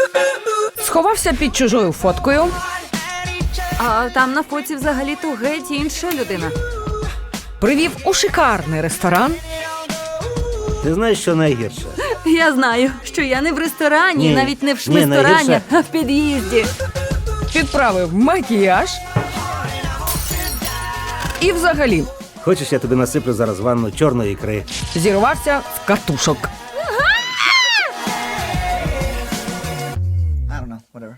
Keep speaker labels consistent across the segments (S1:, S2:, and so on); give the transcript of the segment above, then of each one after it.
S1: Сховався під чужою фоткою.
S2: А там на фоці взагалі-то геть інша людина.
S1: Привів у шикарний ресторан.
S3: Ти знаєш, що найгірше?
S2: Я знаю, що я не в ресторані,
S3: Ні.
S2: навіть не в
S3: Ні,
S2: шмисторані,
S3: найгірше.
S2: а в під'їзді.
S1: Підправив макіяж. І взагалі
S3: Хочеш, я тобі насиплю зараз ванну чорної ікри?
S1: зірвався з катушок.
S4: I don't know, whatever.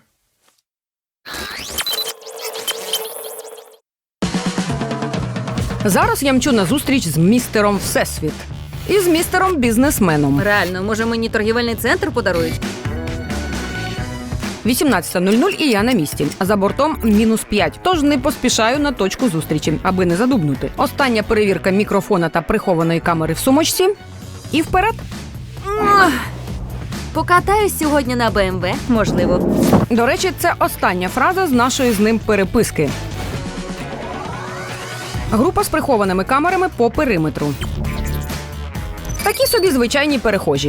S1: Зараз я мчу на зустріч з містером Всесвіт. І з містером бізнесменом.
S2: Реально, може мені торгівельний центр подарують?
S1: 18:00 і я на місці. За бортом -5, тож не поспішаю на точку зустрічі, аби не задубнути. Остання перевірка мікрофона та прихованої камери в сумочці. І вперед.
S2: Покатаюсь сьогодні на БМВ, можливо.
S1: До речі, це остання фраза з нашої з ним переписки. Група з прихованими камерами по периметру. Такі собі звичайні перехожі.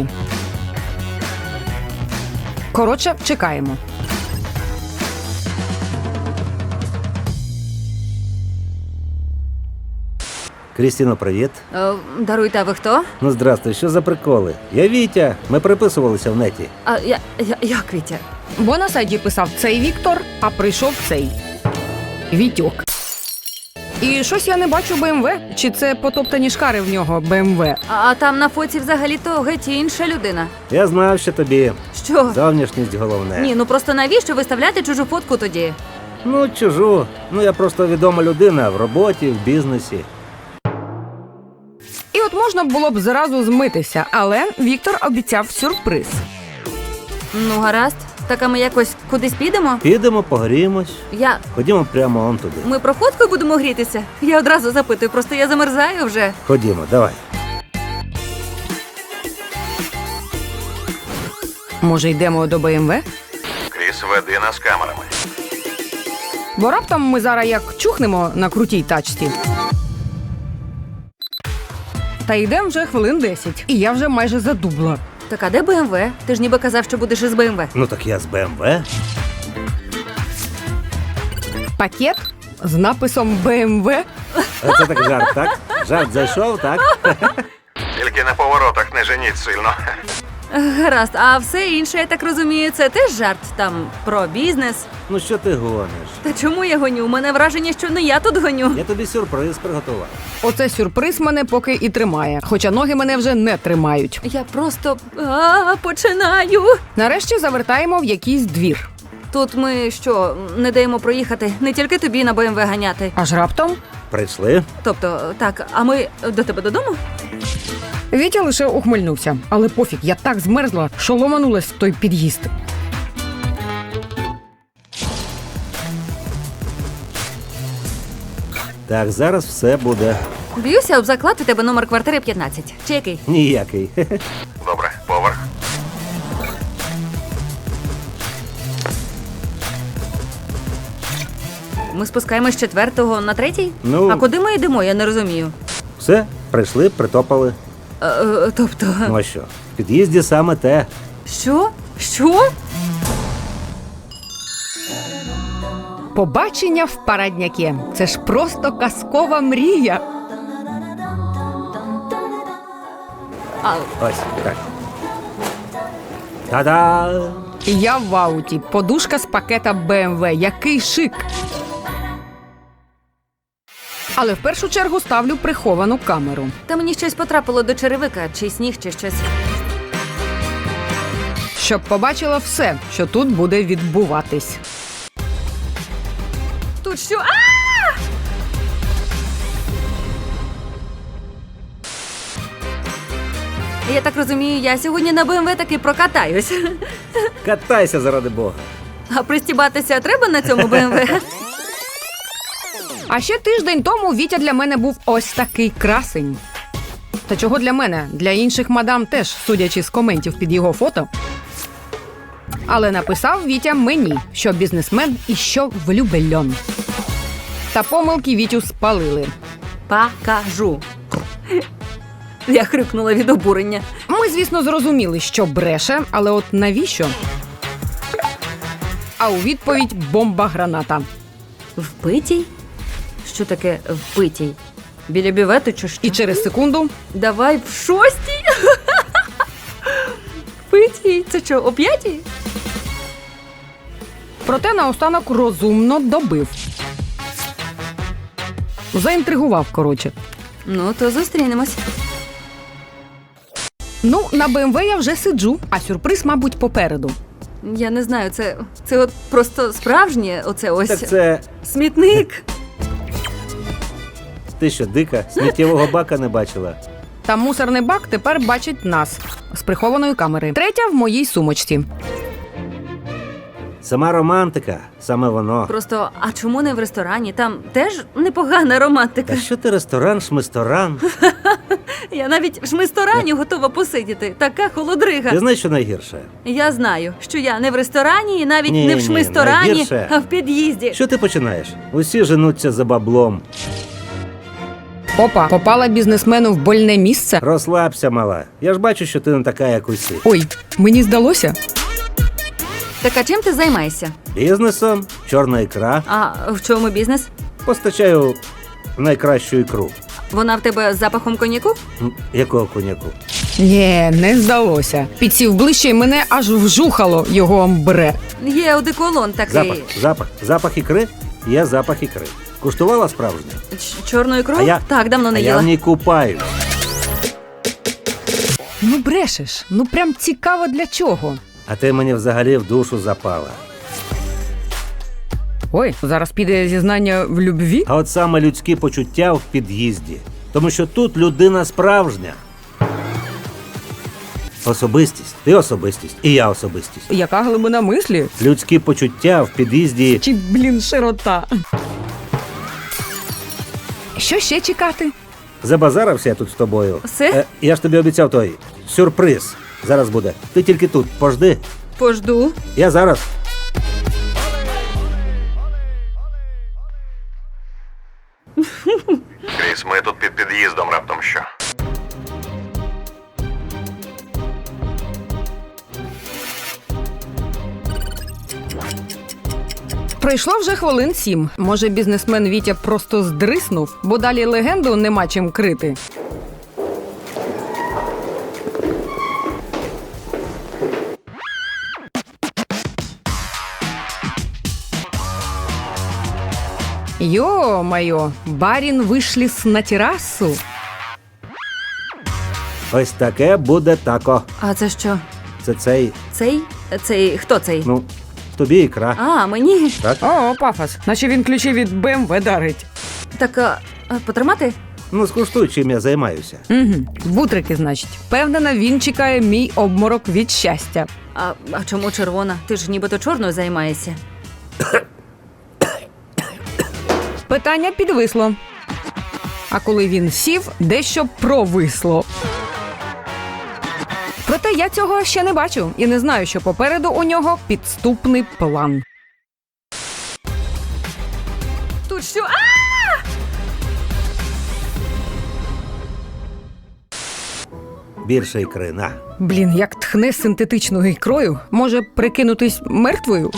S1: Коротше, чекаємо.
S3: Крістіно, привіт.
S2: Даруйте, а ви хто?
S3: Ну, здрастуй, що за приколи? Я Вітя, ми переписувалися в неті.
S2: А як Вітя?
S1: Бо на сайті писав цей Віктор, а прийшов цей Вітьок. І щось я не бачу БМВ. Чи це потоптані шкари в нього БМВ?
S2: А там на фоці взагалі-то геть інша людина.
S3: Я знав, що тобі
S2: Що?
S3: зовнішність головне.
S2: Ні, ну просто навіщо виставляти чужу фотку тоді?
S3: Ну, чужу. Ну, я просто відома людина в роботі, в бізнесі.
S1: І от можна було б зразу змитися, але Віктор обіцяв сюрприз.
S2: Ну, гаразд. Так, а ми якось кудись підемо?
S3: Підемо, погріємось.
S2: Я...
S3: Ходімо прямо он туди.
S2: Ми про фотку будемо грітися? Я одразу запитую, просто я замерзаю вже.
S3: Ходімо, давай.
S1: Може, йдемо до БМВ?
S5: Кріс, веди нас камерами.
S1: Бо раптом ми зараз як чухнемо на крутій тачці. Та йдемо вже хвилин 10, і я вже майже задубла.
S2: Так, а де БМВ? Ти ж ніби казав, що будеш із БМВ.
S3: Ну, так я з БМВ.
S1: Пакет з написом БМВ.
S3: А це так жарт, так? Жарт зайшов, так?
S5: Тільки на поворотах не женіть сильно.
S2: Гаразд, а все інше, я так розумію, це теж жарт там про бізнес.
S3: Ну, що ти гониш?
S2: Та чому я гоню? У мене враження, що не я тут гоню.
S3: Я тобі сюрприз приготував.
S1: Оце сюрприз мене поки і тримає, хоча ноги мене вже не тримають.
S2: Я просто починаю.
S1: Нарешті завертаємо в якийсь двір.
S2: Тут ми що, не даємо проїхати? Не тільки тобі на БМВ ганяти.
S1: Аж раптом
S3: Прийшли?
S2: Тобто, так, а ми до тебе додому?
S1: Вітя лише ухмильнувся. Але пофіг, я так змерзла, що ломанулась в той під'їзд.
S3: Так, зараз все буде
S2: Б'юся об заклад, у тебе номер квартири 15. Чи який?
S3: ніякий.
S5: Добре, поверх.
S2: Ми спускаємось з 4-го на 3-й?
S3: Ну-
S2: А куди ми йдемо, я не розумію.
S3: Все, прийшли, притопали.
S2: Тобто,
S3: Ну а що? В під'їзді саме те.
S2: що? Що?
S1: Побачення в Парадняке. Це ж просто казкова мрія.
S3: Ось, так. Та-да!
S1: Я в ауті. Подушка з пакета BMW. Який шик! Але в першу чергу ставлю приховану камеру.
S2: Та мені щось потрапило до черевика, чи сніг, чи щось.
S1: Щоб побачила все, що тут буде відбуватись.
S2: Тут що? Я так розумію, я сьогодні на БМВ таки прокатаюсь.
S3: Катайся заради Бога.
S2: А пристібатися треба на цьому БМВ?
S1: А ще тиждень тому Вітя для мене був ось такий красень. Та чого для мене? Для інших мадам теж, судячи з коментів під його фото. Але написав Вітя мені, що бізнесмен і що влюбельон. Та помилки Вітю спалили.
S2: Покажу. Я хрюкнула від обурення.
S1: Ми, звісно, зрозуміли, що бреше, але от навіщо? а у відповідь бомба-граната.
S2: Впитій? Що таке впитій? Біля бювету чи що?
S1: І через секунду
S2: Давай в 6-й? Впитій? Це що, о 5-й?
S1: проте наостанок розумно добив. Заінтригував, коротше.
S2: Ну, то зустрінемось.
S1: Ну, на БМВ я вже сиджу, а сюрприз, мабуть, попереду.
S2: Я не знаю, це от просто справжнє, оце ось
S3: Так це
S2: смітник.
S3: ти що, дика? Сміттєвого бака не бачила?
S1: Та мусорний бак тепер бачить нас з прихованої камери. Третя в моїй сумочці.
S3: Сама романтика, саме воно.
S2: Просто, а чому не в ресторані? Там теж непогана романтика.
S3: Та що ти ресторан, шмисторан?
S2: Я навіть в шмисторані готова посидіти. Така холодрига.
S3: Ти знаєш, що найгірше?
S2: Я знаю, що я не в ресторані і навіть
S3: Ні,
S2: не в
S3: ні,
S2: шмисторані,
S3: найгірше.
S2: а в під'їзді.
S3: Що ти починаєш? Усі женуться за баблом.
S1: Опа, попала бізнесмену в больне місце.
S3: Розслабся, мала. Я ж бачу, що ти не така, як усі.
S1: Ой, мені здалося.
S2: Так а чим ти займаєшся?
S3: Бізнесом, чорна ікра.
S2: А в чому бізнес?
S3: Постачаю найкращу ікру.
S2: Вона в тебе з запахом коньяку?
S3: Якого коняку?
S1: Ні, не здалося. Підсів ближче і мене аж вжухало його амбре.
S2: Є одеколон такий.
S3: Запах ікри? Є запах ікри. Куштувала справжнє?
S2: Чорну ікру?
S3: А я-
S2: Так, давно не
S3: А я
S2: їла.
S3: в ній купаюсь.
S1: Ну брешеш, ну прям цікаво для чого.
S3: А ти мені взагалі в душу запала.
S1: Ой, зараз піде зізнання в любві.
S3: А от саме людські почуття в під'їзді. Тому що тут людина справжня. Особистість. Ти особистість. І я особистість.
S1: Яка глибина мислі?
S3: Людські почуття в під'їзді.
S1: Чи, блін, широта. Що ще чекати?
S3: Забазарився я тут з тобою.
S2: Все?
S3: Я ж тобі обіцяв той сюрприз. Зараз буде. Ти тільки тут. Пожди.
S2: Пожду.
S3: Я зараз.
S5: Кріс, ми тут під під'їздом раптом що.
S1: Пройшло вже хвилин 7. Може, бізнесмен Вітя просто здриснув, бо далі легенду нема чим крити. Ё-моё, барін вишліс на терасу.
S3: Ось таке буде тако.
S2: А це що?
S3: Це цей,
S2: Цей? Хто цей?
S3: ну, тобі ікра.
S2: А, мені?
S3: Так?
S1: О, пафос, наче він ключі від БМВ дарить.
S2: Так, потримати?
S3: Ну, скуштуй, чим я займаюся.
S1: Угу. Бутрики, значить. Впевнена, він чекає мій обморок від щастя.
S2: А чому червона? Ти ж нібито чорною займаєшся.
S1: Питання підвисло. А коли він сів, дещо провисло. Проте я цього ще не бачу і не знаю, що попереду у нього підступний план.
S2: Тут що?
S3: Більше ікри, на.
S1: Блін, як тхне синтетичною ікрою, може прикинутись мертвою?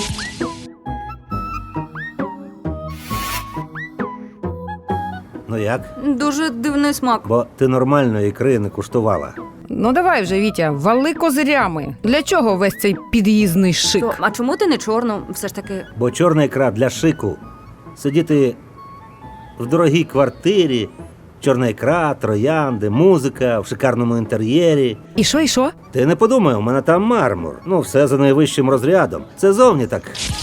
S3: Ну як?
S2: Дуже дивний смак.
S3: Бо ти нормальної ікри не куштувала.
S1: Ну давай вже, Вітя, вали козирями. Для чого весь цей під'їзний шик?
S2: А чому ти не чорну? Все ж таки.
S3: Бо чорна ікра для шику. Сидіти в дорогій квартирі, чорна ікра, троянди, музика в шикарному інтер'єрі.
S1: І що, і що?
S3: Ти не подумай, у мене там мармур. Ну, все за найвищим розрядом. Це зовні так.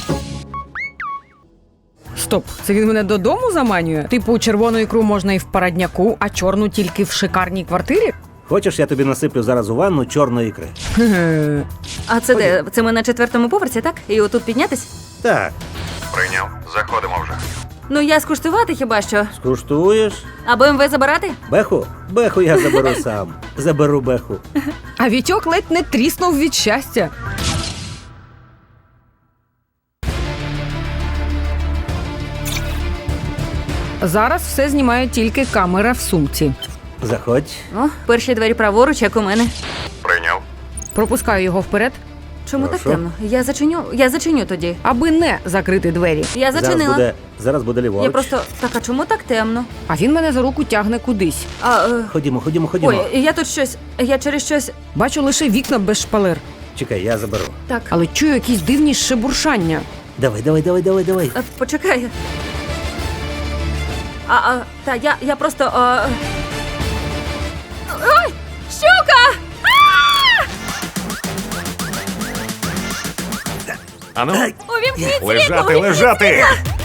S1: Стоп, це він мене додому заманює? Типу, червону ікру можна і в парадняку, а чорну тільки в шикарній квартирі?
S3: Хочеш, я тобі насиплю зараз у ванну чорної ікри?
S1: Ге-ге.
S2: А це де? Це ми на 4-му поверсі, так? І отут піднятись?
S3: Так,
S5: Прийняв. Заходимо вже.
S2: Ну я скуштувати хіба що.
S3: скуштуєш?
S2: А БМВ забирати?
S3: Беху? Беху я заберу сам. Заберу беху.
S1: А Вітьок ледь не тріснув від щастя. Зараз все знімає тільки камера в сумці.
S3: Заходь.
S2: О, перші двері праворуч, як у мене.
S5: Прийняв.
S1: Пропускаю його вперед.
S2: Чому
S3: Прошу?
S2: так темно? Я зачиню тоді.
S1: Аби не закрити двері.
S2: Я зачинила.
S3: Зараз буде ліворуч.
S2: Я просто. Так, а чому так темно?
S1: А він мене за руку тягне кудись.
S3: Ходімо.
S2: Ой, я тут щось. Я через щось.
S1: Бачу лише вікна без шпалер.
S3: Чекай, я заберу.
S2: Так.
S1: Але чую якісь дивні шебуршання.
S3: Давай.
S2: Почекай. Я просто. Ой! Щука!
S5: Ану,
S2: Увімкніть
S5: лежати,
S2: світло!
S5: лежати!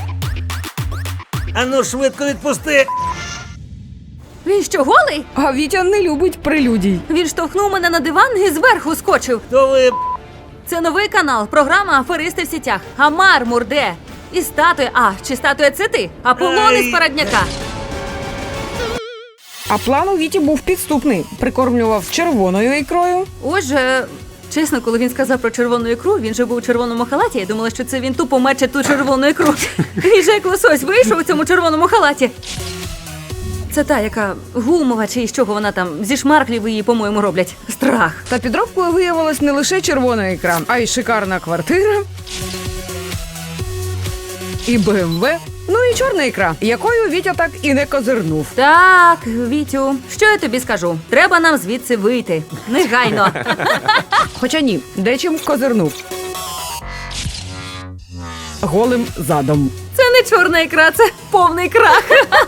S3: Ану, швидко відпусти!
S2: Він що, голий?
S1: А Вітя не любить прелюдій.
S2: Він штовхнув мене на диван і зверху скочив.
S3: То ви...
S2: Це новий канал, програма «Аферисти в сітях». А мармур де? І статуя. Чи статуя це ти? Аполлон із Парадняка.
S1: А план у Віті був підступний. Прикормлював червоною ікрою.
S2: Отже, чесно, коли він сказав про червону ікру, він же був у червоному халаті. Я думала, що це він тупо мече ту червону ікру. Він же як лосось вийшов у цьому червоному халаті. Це та, яка гумова, чи з чого вона там, зі шмарклів її, по-моєму, роблять. Страх.
S1: Та підробкою виявилась не лише червона ікра, а й шикарна квартира. І БМВ. Ну і чорна ікра, якою Вітя так і не козирнув.
S2: Так, Вітю, що я тобі скажу? Треба нам звідси вийти. Негайно.
S1: Хоча ні, дечим козирнув. Голим задом.
S2: Це не чорна ікра, це повний крах.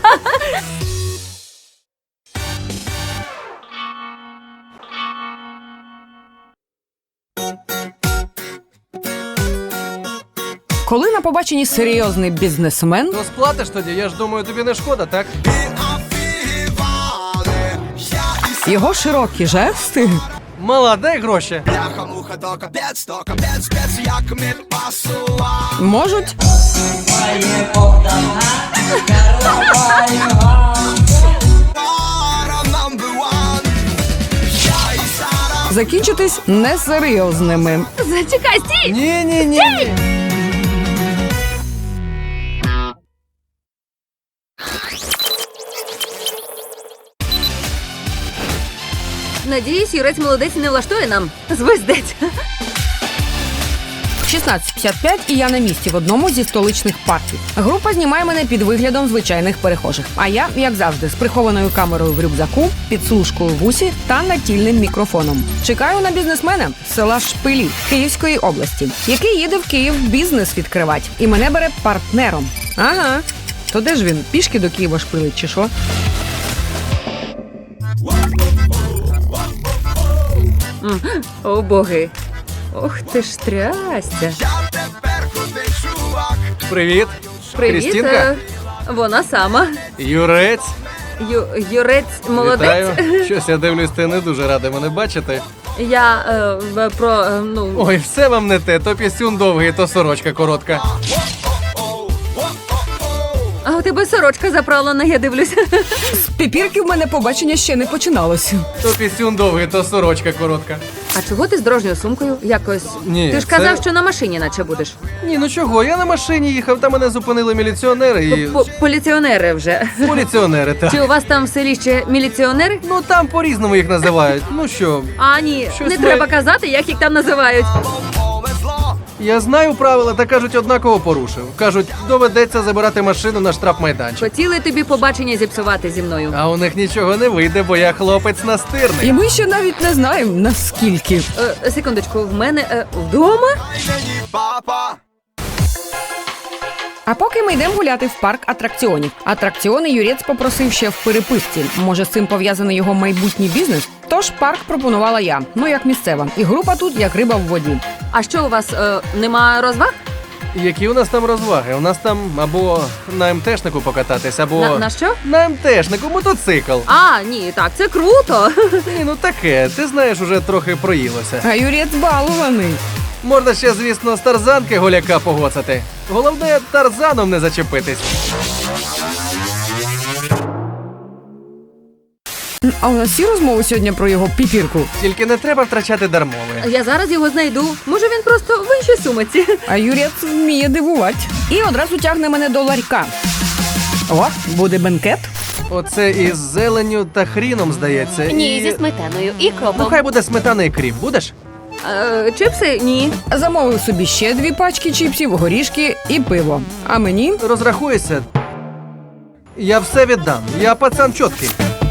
S1: Коли на побаченні серйозний бізнесмен,
S4: То сплатиш тоді, я ж думаю, тобі не шкода, так?
S1: його широкі жести
S4: Мала, дай гроші.
S1: можуть закінчитись несерйозними.
S2: Зачекай, стій!
S4: Ні.
S2: Надіюсь, юрець молодець не влаштує нам. Звездець.
S1: 16:55 і я на місці в одному зі столичних парків. Група знімає мене під виглядом звичайних перехожих. А я, як завжди, з прихованою камерою в рюкзаку, підслужкою в усі та натільним мікрофоном. Чекаю на бізнесмена з села Шпилі Київської області, який їде в Київ бізнес відкривати. І мене бере партнером. Ага. То де ж він? Пішки до Києва шпилить чи що?
S2: О, боги. Ох ти ж трястя.
S4: Привіт.
S2: Привіт.
S4: Крістінка?
S2: Вона сама.
S4: Юрець.
S2: Юрець молодець.
S4: Вітаю. Щось я дивлюсь, ти не дуже радий мене бачити.
S2: Я
S4: Ой, все вам не те. То пісюн довгий, то сорочка коротка.
S2: А у тебе сорочка заправлена, я дивлюся.
S1: З піпірки в мене побачення ще не починалося.
S4: То пісюн довгий, то сорочка коротка.
S2: А чого ти з дорожньою сумкою? Якось.
S4: Ні,
S2: Ти ж
S4: це-
S2: казав, що на машині наче будеш.
S4: Ні, ну чого, я на машині їхав, там мене зупинили міліціонери і...
S2: Поліціонери вже.
S4: Поліціонери, так.
S2: Чи у вас там в селі ще міліціонери?
S4: Ну там по-різному їх називають. Ну що,
S2: А, ні,
S4: Щось
S2: не
S4: ми-
S2: треба казати, як їх там називають.
S4: я знаю правила, та кажуть, однаково порушив. Кажуть, доведеться забирати машину на штрафмайданчик.
S2: Хотіли тобі побачення зіпсувати зі мною.
S4: А у них нічого не вийде, бо я хлопець настирний.
S1: І ми ще навіть не знаємо, наскільки.
S2: Секундочку, в мене вдома?
S1: А поки ми йдемо гуляти в парк атракціонів. Атракціони Юрець попросив ще в переписці. Може, з цим пов'язаний його майбутній бізнес? Тож парк пропонувала я, ну як місцева. І група тут як риба в воді.
S2: А що у вас нема розваг?
S4: Які у нас там розваги? У нас там або на МТшнику покататись, або
S2: На що?
S4: на МТшнику мотоцикл.
S2: А, ні, так, це круто.
S4: Ні, ну таке, ти знаєш, уже трохи проїлося.
S1: А Юрець балований.
S4: Можна ще, звісно, з тарзанки голяка погоцати. Головне, тарзаном не зачепитись.
S1: А у нас всі розмови сьогодні про його піпірку.
S4: Тільки не треба втрачати дармови.
S2: Я зараз його знайду. Може, він просто в іншій сумиці.
S1: А Юрець вміє дивувати. І одразу тягне мене до ларька. О, буде бенкет.
S4: Оце із зеленню та хріном, здається.
S6: Ні, зі сметаною і
S4: Ну,
S6: кропом.
S4: хай буде сметана і кріп. Будеш?
S2: Чипси? Ні.
S1: Замовив собі ще 2 пачки чіпсів, горішки і пиво. А мені
S4: Розрахуєшся. Я все віддам. Я пацан чіткий.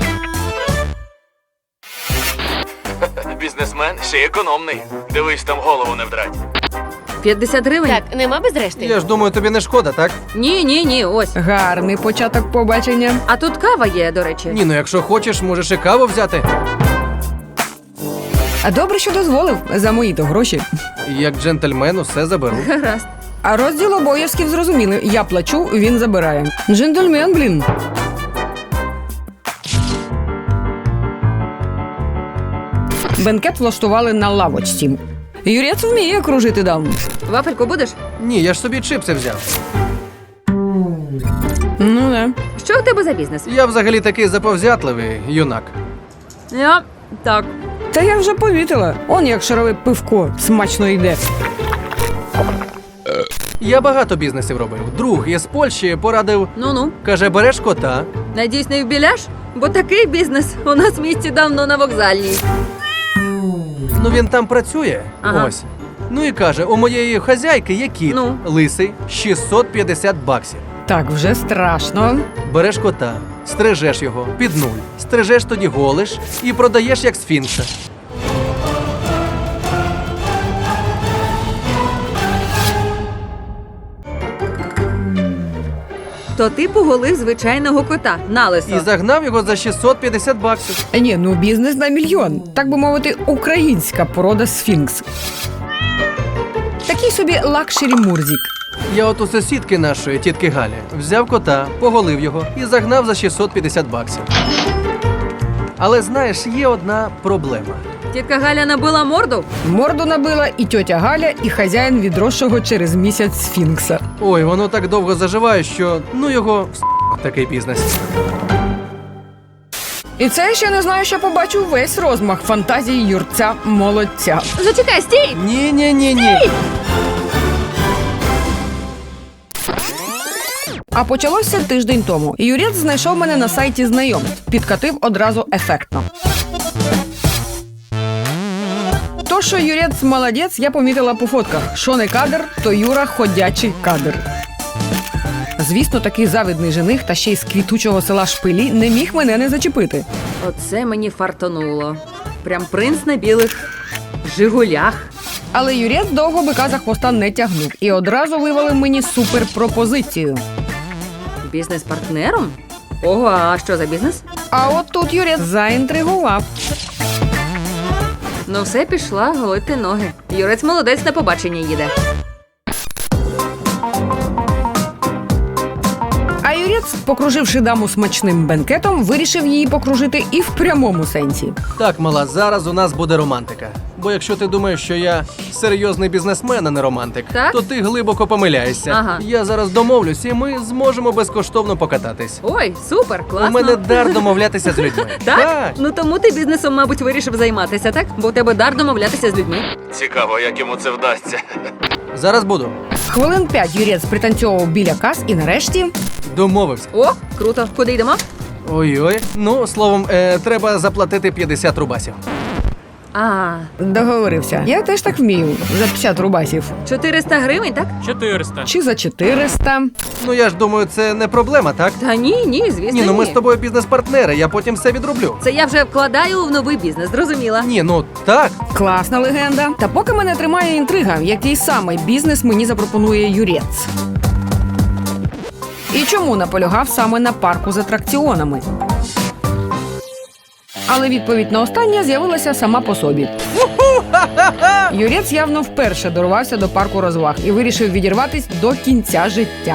S6: Бізнесмен ще й економний. Дивись, там голову не вдрать.
S2: 50 гривень?
S7: Так, нема без решти.
S4: Я ж думаю, тобі не шкода, так?
S2: Ні, ось.
S1: гарний початок побачення.
S2: А тут кава є, до речі.
S4: Ні, ну якщо хочеш, можеш і каву взяти.
S1: А добре, що дозволив за мої-то гроші.
S4: Як джентльмен усе заберу.
S2: Гаразд.
S1: А розділ обов'язків зрозуміли. Я плачу, він забирає. Джентльмен, блін. Бенкет влаштували на лавочці. Юрець вміє кружити дам.
S2: Вафельку будеш?
S4: Ні, я ж собі чипси взяв.
S1: Ну не.
S2: Що у тебе за бізнес?
S4: Я взагалі такий заповзятливий юнак.
S2: Так.
S1: Та я вже помітила. Он як шарове пивко смачно йде.
S4: Я багато бізнесів робив. Друг із Польщі порадив,
S2: Ну-ну.
S4: каже, береш кота.
S2: Надіюсь, не в біляш? Бо такий бізнес у нас в місті давно на вокзальній.
S4: Ну він там працює.
S2: Ага.
S4: Ось. Ну і каже, у моєї хазяйки є кіт,
S2: Ну?
S4: лисий, 650 баксів.
S1: Так, вже страшно.
S4: Береш кота, стрижеш його під нуль, стрижеш тоді голиш і продаєш як сфінкса.
S2: То ти поголив звичайного кота на лисо.
S4: І загнав його за 650 баксів.
S1: Ні, ну бізнес на мільйон. Так би мовити, українська порода сфінкс. Такий собі лакшері Мурзік.
S4: Я от у сусідки нашої, тітки Галі, взяв кота, поголив його і загнав за 650 баксів. Але знаєш, є одна проблема.
S2: Тітка Галя набила морду?
S1: Морду набила і тьотя Галя, і хазяїн відросшого через місяць сфінкса.
S4: Ой, воно так довго заживає, що ну його такий бізнес.
S1: І це я ще не знаю, що побачу весь розмах фантазії юрця молодця.
S2: Зачекай, стій!
S4: Ні.
S1: А почалося тиждень тому. Юрець знайшов мене на сайті знайомств. Підкатив одразу ефектно. То, що Юрець молодець, я помітила по фотках. Що не кадр, то Юра ходячий кадр. Звісно, такий завидний жених та ще й з квітучого села Шпилі не міг мене не зачепити.
S2: Оце мені фартонуло. Прям принц на білих жигулях.
S1: Але Юрець довго бика за хвоста не тягнув і одразу вивалив мені суперпропозицію.
S2: Бізнес-партнером? Ого, а що за бізнес?
S1: А от тут Юрець заінтригував.
S2: Ну все, пішла голити ноги. Юрець молодець, на побачення їде.
S1: А Юрець, покруживши даму смачним бенкетом, вирішив її покружити і в прямому сенсі.
S4: Так, мала, зараз у нас буде романтика. Бо якщо ти думаєш, що я серйозний бізнесмен, а не романтик,
S2: Так?
S4: то ти глибоко помиляєшся.
S2: Ага.
S4: Я зараз домовлюсь, і ми зможемо безкоштовно покататись.
S2: Ой, супер, класно.
S4: У мене дар домовлятися з людьми.
S2: Так? Ну тому ти бізнесом, мабуть, вирішив займатися, так? Бо у тебе дар домовлятися з людьми.
S6: Цікаво, як йому це вдасться.
S4: Зараз буду.
S1: Хвилин 5 Юрець пританцьовував біля кас і нарешті...
S4: Домовився.
S2: О, круто. Куди йдемо?
S4: Ой-ой. Ну, словом, треба заплатити 50 рубасів.
S2: А,
S1: Договорився. Я теж так вмію. За 50 рубасів.
S2: 400 гривень, так?
S6: 400.
S1: Чи за 400.
S4: Ну я ж думаю, це не проблема, так?
S2: Та ні, звісно,
S4: Ні, ну ми з тобою бізнес-партнери, я потім все відроблю.
S2: Це я вже вкладаю в новий бізнес, зрозуміла.
S4: Ні, ну так.
S1: Класна легенда. Та поки мене тримає інтрига, який саме бізнес мені запропонує Юрець. І чому наполягав саме на парку з атракціонами? Але відповідь на останнє з'явилася сама по собі. Юрець явно вперше дорвався до парку розваг і вирішив відірватись до кінця життя.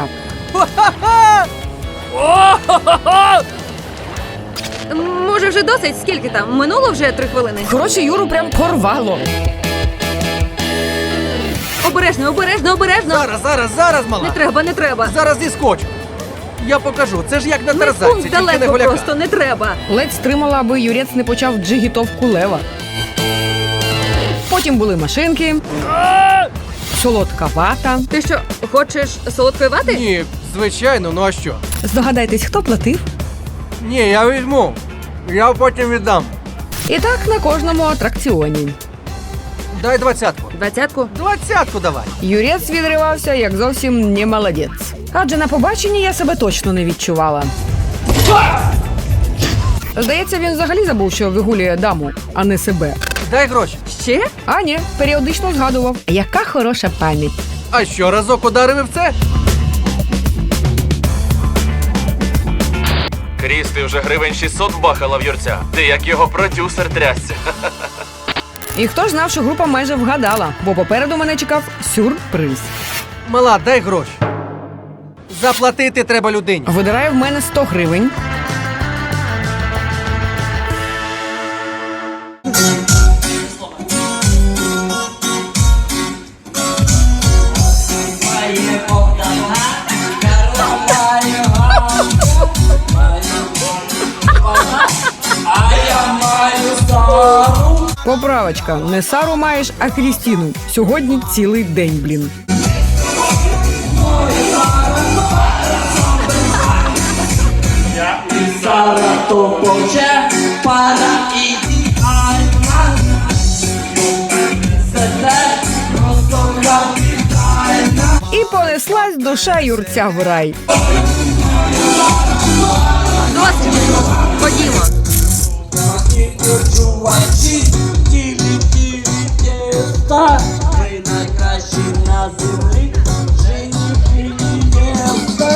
S2: Може, вже досить? Скільки там? Минуло вже 3 хвилини.
S1: Коротше, Юру прям порвало.
S2: Обережно, обережно.
S4: Зараз, мала.
S2: Не треба.
S4: Зараз зіскочу. Я покажу, це ж як на
S2: Медпункт
S4: тарзанці, тільки не
S2: далеко
S4: голяка.
S2: просто, не треба.
S1: Ледь стримала, аби Юрець не почав джигітовку лева. Потім були машинки, солодка вата.
S2: Ти що, хочеш солодкої вати?
S4: Ні, звичайно, ну а що?
S1: Здогадайтесь, хто платив?
S4: Ні, я візьму. Я потім віддам.
S1: І так на кожному атракціоні.
S4: Дай 20-ку.
S2: 20-ку?
S4: 20-ку давай.
S1: Юрець відривався, як зовсім не молодець. Адже на побаченні я себе точно не відчувала. Здається, він взагалі забув, що вигулює даму, а не себе.
S4: Дай гроші.
S2: Ще?
S1: А ні, періодично згадував. Яка хороша пам'ять.
S4: А що, разок ударив і в це?
S6: Кріс, ти вже гривень 600 бахала в Юрця. Ти як його продюсер трясся.
S1: І хто ж знав, що група майже вгадала, бо попереду мене чекав сюрприз.
S4: Мала, дай гроші. Заплатити треба людині.
S1: Видирає в мене 100 гривень. Поправочка. Не Сару маєш, а Крістіну. Сьогодні цілий день, блін.
S7: Sara to pocze, para idealna. Sedek, rozgorączalna.
S1: І понеслась душа Юрця в рай.
S2: Досить. Ходімо.
S7: Kurczuła ci, tak. Wy najkrasi na ziemi, że nie pili miasta.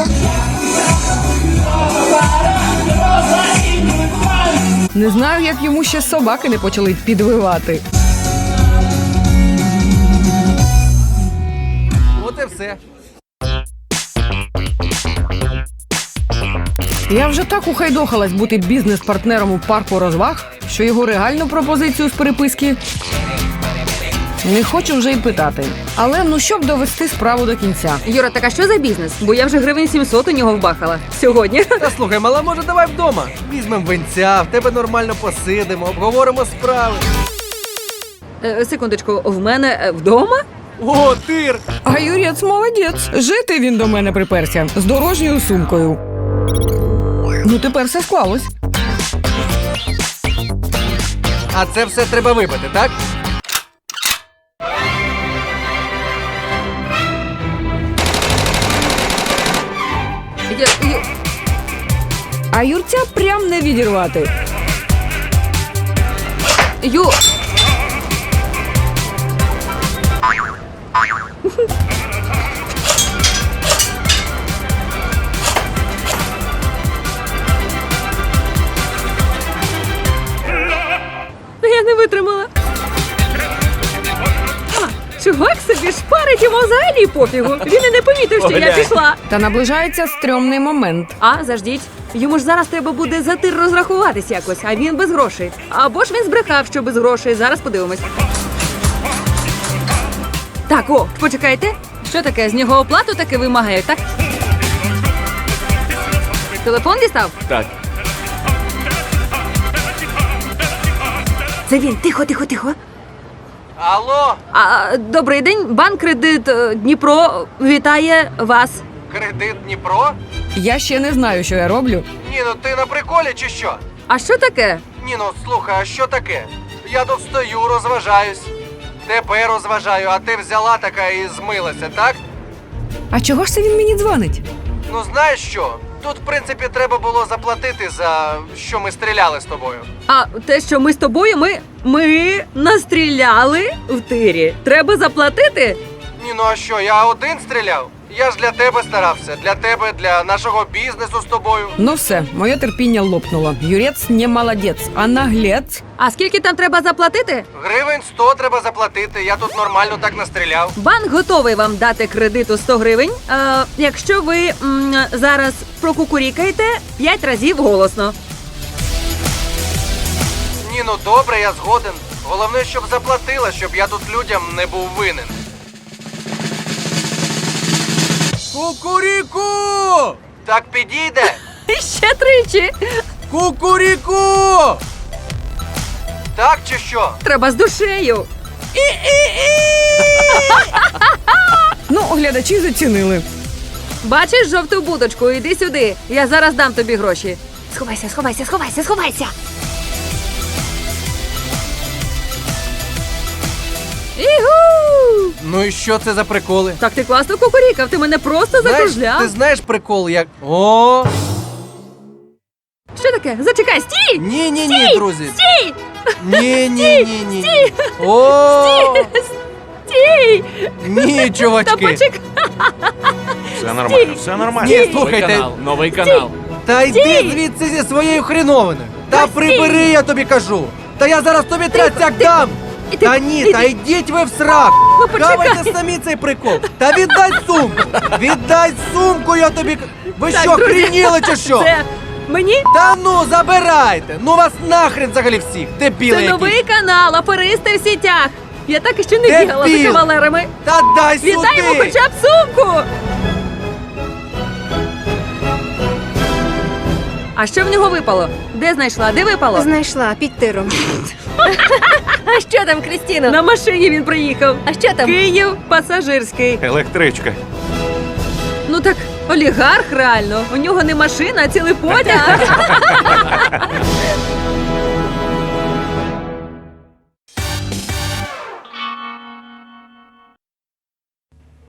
S1: Не знаю, як йому ще собаки не почали підвивати.
S4: От і все.
S1: Я вже так ухайдохалась бути бізнес-партнером у парку розваг, що його реальну пропозицію з переписки не хочу вже й питати. Але ну щоб довести справу до кінця.
S2: Юра, так а що за бізнес? Бо я вже гривень 700 у нього вбахала. Сьогодні.
S4: Та слухай, мала, може давай вдома. Візьмем винця, в тебе нормально посидимо, обговоримо справи.
S2: Секундочку, в мене вдома?
S4: О, тир!
S1: А Юрець молодець. Жити він до мене приперся з дорожньою сумкою. Ну тепер все склалось.
S4: А це все треба випити, так?
S1: А Юрця прям не відірвати.
S2: Ю... Я не витримала. Чувак собі шпарить, йому взагалі пофігу. Він і не помітив, що я
S6: Поглянь.
S2: пішла.
S1: Та наближається стрьомний момент.
S2: А, заждіть. Йому ж зараз треба буде за тир розрахуватись якось, а він без грошей. Або ж він збрехав, що без грошей. Зараз подивимось. Так, о, почекайте. Що таке? З нього оплату таки вимагають, так? Телефон дістав?
S6: Так.
S2: Це він. Тихо, тихо, тихо.
S4: Алло,
S2: Добрий день, банк «Кредит Дніпро» вітає вас.
S4: кредит Дніпро?
S1: Я ще не знаю, що я роблю.
S4: Ні, ну ти на приколі чи що?
S2: А що таке?
S4: Ні, ну слухай, а що таке? Я тут стою, розважаюсь. Тебе розважаю, а ти взяла така і змилася, так?
S1: А чого ж це він мені дзвонить?
S4: Ну знаєш що? Тут, в принципі, треба було заплатити за що ми стріляли з тобою.
S2: А те, що ми з тобою, ми настріляли в тирі. Треба заплатити?
S4: Ні, ну а що, я один стріляв? Я ж для тебе старався, для тебе, для нашого бізнесу з тобою.
S1: Ну все, моє терпіння лопнуло. Юрець не молодець, а наглець.
S2: А скільки там треба заплатити?
S4: Гривень 100 треба заплатити, я тут нормально так настріляв.
S2: Банк готовий вам дати кредиту 100 гривень, якщо ви зараз прокукурікаєте 5 разів голосно.
S4: Ні, ну добре, я згоден. Головне, щоб заплатила, щоб я тут людям не був винен. Кукуріку! Так підійде?
S2: Ще тричі.
S4: Кукуріку! Так чи що?
S2: Треба з душею.
S1: Ну, глядачі зацінили.
S2: Бачиш жовту будочку? Іди сюди. Я зараз дам тобі гроші. Сховайся, сховайся, сховайся, сховайся. Ігу!
S4: Ну і що це за приколи?
S2: Так ти класно кукурікав, ти мене просто закружляв.
S4: Ти знаєш прикол, як. О!
S2: Що таке? Зачекай, стій!
S4: Ні, друзі.
S2: Стій!
S4: Ні. О!
S2: Стій!
S4: Ні,
S2: Та
S4: чувачки.
S2: почекай!
S5: Все нормально, все нормально.
S4: Ні, слухайте.
S6: Новий канал.
S4: Та йди звідси зі своєю хреновиною. Та прибери, я тобі кажу. Та я зараз тобі трясяк дам. Та ні, та йдіть ви в срак.
S2: Ну, почекай.
S4: Давайте самі цей прикол. Та віддай сумку. Віддай сумку, я тобі. Ви
S2: Так,
S4: що,
S2: друзі,
S4: хреніли чи що?
S2: Це мені?
S4: Та ну, забирайте! Ну вас нахрен взагалі всіх! Дебіли
S2: Це
S4: якісь!
S2: новий канал, аферисти в сітях. Я так і ще не
S4: Дебіл!
S2: бігала за кавалерами.
S4: Та дай
S2: Віддай йому
S4: сюди!
S2: хоча б сумку! А що в нього випало? Де знайшла? Де випало?
S8: Знайшла під тиром. А що там, Крістіно?
S2: На машині він приїхав.
S8: А що там?
S2: Київ пасажирський.
S5: Електричка.
S2: Ну так олігарх реально. У нього не машина, а цілий потяг.